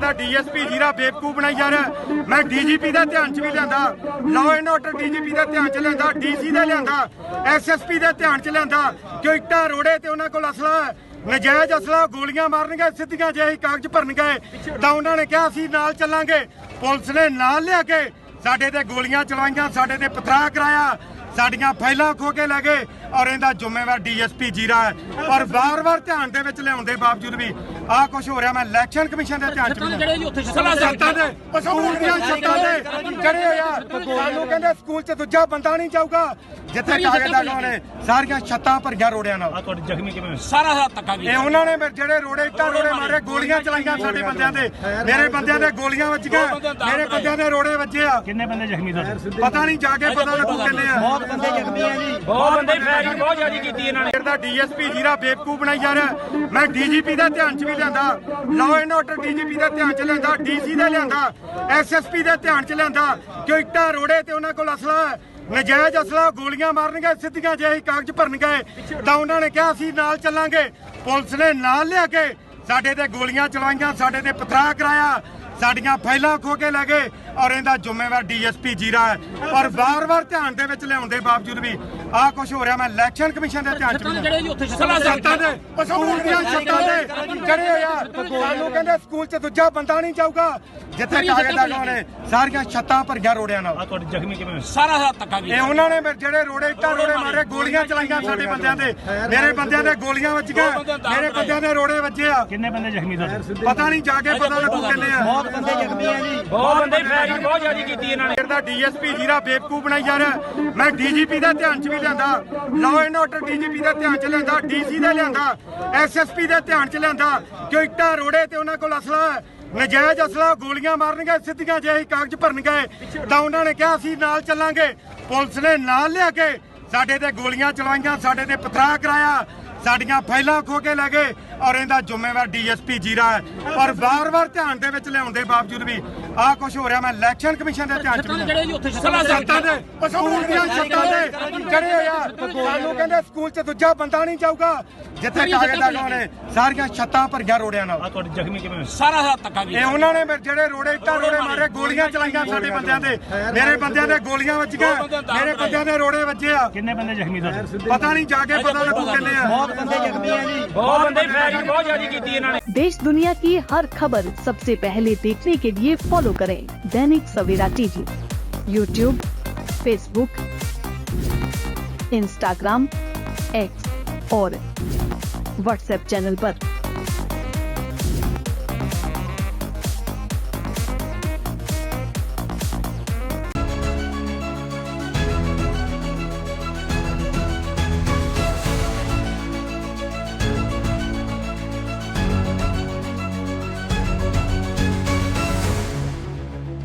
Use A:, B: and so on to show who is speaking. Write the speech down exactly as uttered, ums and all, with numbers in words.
A: ਦਾ DSP ਜੀਰਾ ਬੇਵਕੂਫ ਬਣਾਈ ਜਾ ਰਿਹਾ। ਮੈਂ ਡੀਜੀਪੀ ਦਾ ਧਿਆਨ 'ਚ ਵੀ ਲਿਆਂਦਾ, ਲਾਅ ਐਂਡ ਆਰਡਰ ਡੀਜੀਪੀ ਦਾ ਧਿਆਨ 'ਚ ਲਿਆਂਦਾ, ਡੀਸੀ ਦਾ ਲਿਆਂਦਾ, ਐਸਐਸਪੀ ਦੇ ਧਿਆਨ 'ਚ ਲਿਆਂਦਾ ਕਿ ਇੱਟਾਂ ਰੋੜੇ ਤੇ ਉਹਨਾਂ ਕੋਲ ਅਸਲਾ ਹੈ, ਨਜਾਇਜ਼ ਅਸਲਾ, ਗੋਲੀਆਂ ਮਾਰਨਗੇ, ਸਿੱਧੀਆਂ ਜਿਹੀ ਕਾਗਜ਼ ਭਰਨਗੇ ਤਾਂ ਉਹਨਾਂ ਨੇ ਕਿਹਾ ਅਸੀਂ ਨਾਲ ਚੱਲਾਂਗੇ। ਪੁਲਿਸ ਨੇ ਨਾਲ ਲਿਆ ਕੇ ਸਾਡੇ ਤੇ ਗੋਲੀਆਂ ਚਲਾਈਆਂ, ਸਾਡੇ ਤੇ ਪਥਰਾ ਕਰਾਇਆ, ਸਾਡੀਆਂ ਫਾਈਲਾਂ ਖੋ ਕੇ ਲੈ ਗਏ ਔਰ ਇਹਦਾ ਜ਼ਿੰਮੇਵਾਰ ਡੀਐਸਪੀ ਜੀਰਾ ਹੈ। ਔਰ ਵਾਰ-ਵਾਰ ਧਿਆਨ ਦੇ ਵਿੱਚ ਲਿਆਉਣ ਦੇ ਬਾਵਜੂਦ ਵੀ ਆਹ ਕੁਝ ਹੋ ਰਿਹਾ। ਮੈਂ ਇਲੈਕਸ਼ਨ ਕਮਿਸ਼ਨ ਦੇ ਧਿਆਨ 'ਚ ਛੱਤਾਂ ਦੇ ਸਕੂਲ ਦੀਆਂ ਛੱਤਾਂ ਦੇ ਚੜੇ ਹੋਏ ਆ। ਸਾਨੂੰ ਕਹਿੰਦੇ ਸਕੂਲ 'ਚ ਦੂਜਾ ਬੰਦਾ ਨਹੀਂ ਜਾਊਗਾ ਜਿੱਥੇ ਕਾਗਜ਼ ਦਾ ਲੋਨ ਹੈ। ਸਾਰੀਆਂ ਛੱਤਾਂ ਭਰੀਆਂ ਰੋੜਿਆਂ ਨਾਲ।
B: ਆ ਤੁਹਾਡੇ ਜ਼ਖਮੀ ਕਿਵੇਂ ਸਾਰਾ ਸਾਰਾ ਧੱਕਾ
A: ਇਹ ਉਹਨਾਂ ਨੇ ਜਿਹੜੇ ਰੋੜੇ ਇੱਟਾਂ ਰੋੜੇ ਮਾਰੇ, ਗੋਲੀਆਂ ਚਲਾਈਆਂ ਸਾਡੇ ਬੰਦਿਆਂ ਤੇ, ਮੇਰੇ ਬੰਦਿਆਂ ਦੇ ਗੋਲੀਆਂ ਵੱਜੀਆਂ, ਮੇਰੇ ਬੰਦਿਆਂ ਦੇ ਰੋੜੇ ਵੱਜੇ ਆ।
B: ਕਿੰਨੇ ਬੰਦੇ ਜ਼ਖਮੀ ਤੁਹਾਡੇ?
A: ਪਤਾ ਨਹੀਂ, ਜਾ ਕੇ ਪਤਾ ਲੱਗੂ ਕਿੰਨੇ ਆ।
C: ਬਹੁਤ ਬੰਦੇ ਜ਼ਖਮੀ ਆ ਜੀ,
B: ਬਹੁਤ ਬੰਦੇ ਫਾਇਰਿੰਗ ਬਹੁਤ ਜ਼ਿਆਦਾ ਕੀਤੀ ਇਹਨਾਂ ਨੇ।
A: ਦਾ ਡੀਐਸਪੀ ਜੀਰਾ ਬੇਵਕੂਫ ਬਣਾਈ ਜਾ ਰਿਹਾ। ਮੈਂ ਡੀਜੀਪੀ ਦਾ ਧਿਆਨ 'ਚ ਵੀ ਲਿਆਂਦਾ, ਲਾਅ ਐਂਡ ਆਰਡਰ ਡੀਜੀਪੀ ਦਾ ਧਿਆਨ 'ਚ ਲਿਆਂਦਾ, ਡੀਸੀ ਦਾ ਲਿਆਂਦਾ, ਐਸਐਸਪੀ ਦੇ ਧਿਆਨ 'ਚ ਲਿਆਂਦਾ ਕਿ ਇੱਟਾਂ ਰੋੜੇ ਤੇ ਉਹਨਾਂ ਕੋਲ ਅਸਲਾ ਹੈ, ਨਜਾਇਜ਼ ਅਸਲਾ, ਗੋਲੀਆਂ ਮਾਰਨਗੇ, ਸਿੱਧੀਆਂ ਜਿਹੀ ਕਾਗਜ਼ ਭਰਨਗੇ ਤਾਂ ਉਹਨਾਂ ਨੇ ਕਿਹਾ ਅਸੀਂ ਨਾਲ ਚੱਲਾਂਗੇ। ਪੁਲਿਸ ਨੇ ਨਾਲ ਲਿਆ ਕੇ ਸਾਡੇ ਤੇ ਗੋਲੀਆਂ ਚਲਾਈਆਂ, ਸਾਡੇ ਤੇ ਪਥਰਾ ਕਰਾਇਆ, ਸਾਡੀਆਂ ਫਾਈਲਾਂ ਖੋ ਕੇ ਲੈ ਗਏ ਔਰ ਇਹਦਾ ਜ਼ਿੰਮੇਵਾਰ ਡੀਐਸਪੀ ਜੀਰਾ ਹੈ। ਔਰ ਵਾਰ-ਵਾਰ ਧਿਆਨ ਦੇ ਵਿੱਚ ਲਿਆਉਣ ਦੇ ਬਾਵਜੂਦ ਵੀ ਆਹ ਕੁਝ ਹੋ ਰਿਹਾ। ਮੈਂ ਇਲੈਕਸ਼ਨ ਕਮਿਸ਼ਨ ਦੇ ਧਿਆਨ 'ਚ ਛੱਤਾਂ ਦੇ ਸਕੂਲ ਦੀਆਂ ਛੱਤਾਂ ਦੇ ਚੜੇ ਹੋਏ ਆ। ਸਾਨੂੰ ਕਹਿੰਦੇ ਸਕੂਲ 'ਚ ਦੂਜਾ ਬੰਦਾ ਨਹੀਂ ਜਾਊਗਾ ਜਿੱਥੇ ਕਾਗਜ਼ ਦਾ ਲੋਨ ਹੈ। ਸਾਰੀਆਂ ਛੱਤਾਂ ਭਰੀਆਂ ਰੋੜਿਆਂ ਨਾਲ।
B: ਆ ਤੁਹਾਡੇ ਜ਼ਖਮੀ ਕਿਵੇਂ ਸਾਰਾ ਸਾਰਾ ਧੱਕਾ
A: ਇਹ ਉਹਨਾਂ ਨੇ ਜਿਹੜੇ ਰੋੜੇ ਇੱਟਾਂ ਰੋੜੇ ਮਾਰੇ, ਗੋਲੀਆਂ ਚਲਾਈਆਂ ਸਾਡੇ ਬੰਦਿਆਂ ਤੇ, ਮੇਰੇ ਬੰਦਿਆਂ ਦੇ ਗੋਲੀਆਂ ਵੱਜੀਆਂ, ਮੇਰੇ ਬੰਦਿਆਂ ਦੇ ਰੋੜੇ ਵੱਜੇ ਆ।
B: ਕਿੰਨੇ ਬੰਦੇ ਜ਼ਖਮੀ ਤੁਹਾਡੇ?
A: ਪਤਾ ਨਹੀਂ, ਜਾ ਕੇ ਪਤਾ ਲੱਗੂ ਕਿੰਨੇ ਆ।
C: ਬਹੁਤ ਬੰਦੇ ਜ਼ਖਮੀ ਆ ਜੀ,
B: ਬਹੁਤ ਬੰਦੇ ਫਾਇਰਿੰਗ ਬਹੁਤ ਜ਼ਿਆਦਾ ਕੀਤੀ ਇਹਨਾਂ ਨੇ।
A: ਦਾ ਡੀਐਸਪੀ ਜੀਰਾ ਬੇਵਕੂਫ ਬਣਾਈ ਜਾ ਰਿਹਾ। ਮੈਂ ਡੀਜੀਪੀ ਦਾ ਧਿਆਨ 'ਚ ਵੀ ਲਿਆਂਦਾ, ਲਾਅ ਐਂਡ ਆਰਡਰ ਡੀਜੀਪੀ ਦਾ ਧਿਆਨ 'ਚ ਲਿਆਂਦਾ, ਡੀਸੀ ਦਾ ਲਿਆਂਦਾ, ਐਸਐਸਪੀ ਦੇ ਧਿਆਨ 'ਚ ਲਿਆਂਦਾ ਕਿ ਇੱਟਾਂ ਰੋੜੇ ਤੇ ਉਹਨਾਂ ਕੋਲ ਅਸਲਾ ਹੈ, ਨਜਾਇਜ਼ ਅਸਲਾ, ਗੋਲੀਆਂ ਮਾਰਨਗੇ, ਸਿੱਧੀਆਂ ਜਿਹੀ ਕਾਗਜ਼ ਭਰਨਗੇ ਤਾਂ ਉਹਨਾਂ ਨੇ ਕਿਹਾ ਅਸੀਂ ਨਾਲ ਚੱਲਾਂਗੇ। ਪੁਲਿਸ ਨੇ ਨਾਲ ਲਿਆ ਕੇ ਸਾਡੇ ਤੇ ਗੋਲੀਆਂ ਚਲਾਈਆਂ, ਸਾਡੇ ਤੇ ਪਥਰਾ ਕਰਾਇਆ, ਸਾਡੀਆਂ ਫਾਈਲਾਂ ਖੋ ਕੇ ਲੈ ਗਏ ਔਰ ਇਹਦਾ ਜ਼ਿੰਮੇਵਾਰ ਡੀਐਸਪੀ ਜੀਰਾ ਹੈ। ਔਰ ਵਾਰ-ਵਾਰ ਧਿਆਨ ਦੇ ਵਿੱਚ ਲਿਆਉਣ ਦੇ ਬਾਵਜੂਦ ਵੀ ਆਹ ਕੁਝ ਹੋ ਰਿਹਾ। ਮੈਂ ਇਲੈਕਸ਼ਨ ਕਮਿਸ਼ਨ ਦੇ ਧਿਆਨ 'ਚ ਛੱਤਾਂ ਦੇ ਸਕੂਲ ਦੀਆਂ ਛੱਤਾਂ ਦੇ ਚੜੇ ਹੋਏ ਆ। ਸਾਨੂੰ ਕਹਿੰਦੇ ਸਕੂਲ 'ਚ ਦੂਜਾ ਬੰਦਾ ਨਹੀਂ ਜਾਊਗਾ ਜਿੱਥੇ ਕਾਗਜ਼ ਦਾ ਲੋਨ ਹੈ। ਸਾਰੀਆਂ ਛੱਤਾਂ ਭਰੀਆਂ ਰੋੜਿਆਂ ਨਾਲ।
B: ਆ ਤੁਹਾਡੇ ਜ਼ਖਮੀ ਕਿਵੇਂ ਸਾਰਾ ਸਾਰਾ ਧੱਕਾ
A: ਇਹ ਉਹਨਾਂ ਨੇ ਜਿਹੜੇ ਰੋੜੇ ਇੱਟਾਂ ਰੋੜੇ ਮਾਰੇ, ਗੋਲੀਆਂ ਚਲਾਈਆਂ ਸਾਡੇ ਬੰਦਿਆਂ ਤੇ, ਮੇਰੇ ਬੰਦਿਆਂ ਦੇ ਗੋਲੀਆਂ ਵੱਜੀਆਂ, ਮੇਰੇ ਬੰਦਿਆਂ ਦੇ ਰੋੜੇ ਵੱਜੇ ਆ।
B: ਕਿੰਨੇ ਬੰਦੇ ਜ਼ਖਮੀ ਤੁਹਾਡੇ?
A: ਪਤਾ ਨਹੀਂ, ਜਾ ਕੇ ਪਤਾ ਲੱਗੂ ਕਿੰਨੇ ਆ।
C: ਬਹੁਤ ਬੰਦੇ ਜ਼ਖਮੀ ਆ ਜੀ,
B: ਬਹੁਤ ਬੰਦੇ फैरिंग बहुत ज्यादा की इन्होंने।
D: देश दुनिया की हर खबर सबसे पहले देखने के लिए फॉलो करें Dainik Savera TV, YouTube, Facebook, Instagram, X और व्हाट्सएप चैनल पर।